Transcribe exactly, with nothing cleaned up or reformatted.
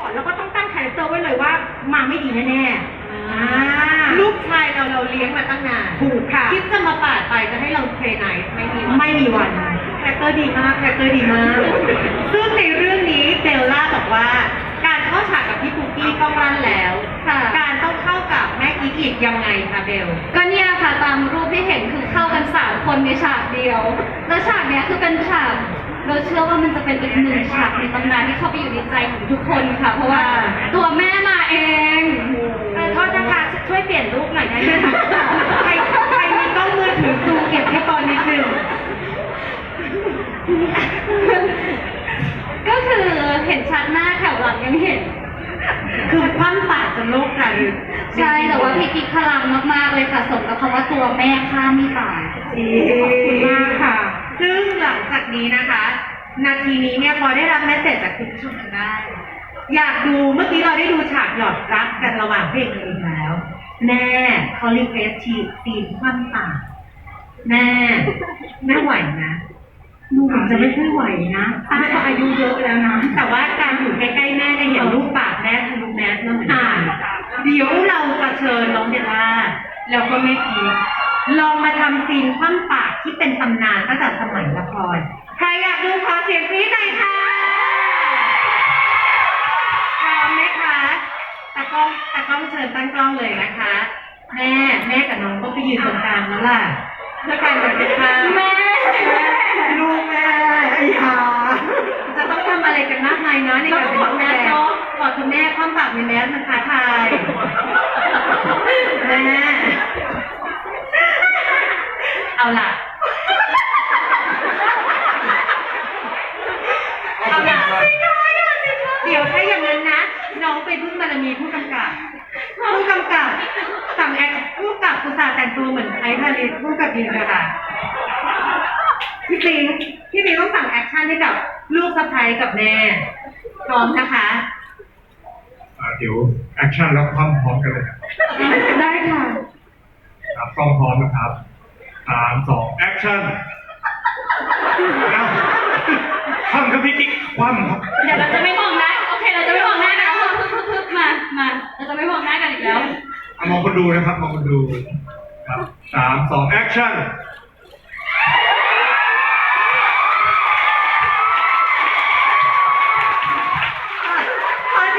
อนเราก็ต้องตั้งคาแรคเตอร์ไว้เลยว่ามาไม่ดีแน่ๆลูกชายเราเราเลี้ยงมาตั้งนานถูกค่ะคิดจะมาปาดไปจะให้เราเทรนไหนไม่มีวันไม่มีวันคาแรคเตอร์ดีมากคาแรคเตอร์ดีมากซึ่งในเรื่องนี้เบลล่าบอกว่า การเข้าฉากกับพี่ปุ๊กกี้ต้องรันแล้วการต้องเข้ากับแม่กิ๊กอีกยังไงคะเบลก็เนี่ยค่ะตามรูปที่เห็นคือเข้ากันสามคนในฉากเดียว แล้วฉากเนี้ยคือเป็นฉากเราเชื่อว่ามันจะเป็นอีกหนึ่งฉากในตำนานที่เข้าไปอยู่ในใจของทุกคนค่ะ เพราะว่าตัวแม่มาเองโทษนะคะช่วยเปลี่ยนรูปหน่อยได้ไหมคะใครใครมีกล้องมือถือซูมเก็บให้ตอนนิดนึงก็คือเห็นชัดหน้าแถวหลังยังเห็นคือคว่ำปากจนโลกค่ะใช่แต่ว่าพี่กิ๊กพลังมากๆเลยค่ะสมกับคำว่าตัวแม่ข้ามไม่ตายขอบคุณมากค่ะซึ่งหลังจากนี้นะคะ นาทีนี้เนี่ยพอได้รับแมสเสจจากคุณผู้ชมทางบ้านอยากดูเมื่อกี้เราได้ดูฉากหยอดรักกันระหว่างเพลงเองแล้ว แม่เขารีเควสทีซีนคว่ำปากแม่แม่ไหวนะดูเหมือนจะไม่ค่อยไหวนะป้าก็อายุเยอะแล้วนะแต่ว่าการอยู่ใกล้ๆแม่จะเห็นรูปปากแม่ทะลุแมสมาเหมือนกันเดี๋ยวเราจะเชิญน้องเดลล่าแล้วก็แม่พีลองมาทำซีนคว่ำปากที่เป็นตำนานตั้งแต่สมัยละครใครอยากดูขอเสียงกรี๊ดหน่อยค่ะพร้อมไหมคะตากล้องตากล้องเชิญตั้งกล้องเลยนะคะ แม่แม่กับน้องก็ไปยืนตรงกลางแล้วล่ะเพื่อการบันทึกภาพแม่ลูกแม่ไอ้ห่าจะต้องทำอะไรกันมากมายเนาะในการเป็นลูกแม่กอดคุณแม่คว่ำปากในแมสมันท้าทายแม่เอาล่ะเอาล่ะเดี๋ยวถ้าอย่างนั้นนะน้องไปพึ่งบารมีผู้กำกับผู้กำกับสั่งแอคผู้กำกับอุตส่าห์แต่งตัวเหมือนไอ้พาริสผู้กำกับยืนเลยค่ะ พี่ปิงพี่ปิงต้องสั่งแอคชั่นให้กับลูกสะใภ้กับแม่พร้อมนะคะอ่าเดี๋ยวแอคชั่นแล้วความพร้อมกันเลยครับได้ค่ะครับกล้องพร้อมนะครับสามสองแอคชั่นแล้วคว่ำครับพี่กิ๊กคว่ำครับเดี๋ยวเราจะไม่มองหน้าโอเคเราจะไม่มองหน้ากันแล้วพึบๆๆมามาเราจะไม่มองหน้ากันอีกแล้วเอามองคนดูนะครับมองคนดูครับสามสองแอคชั่น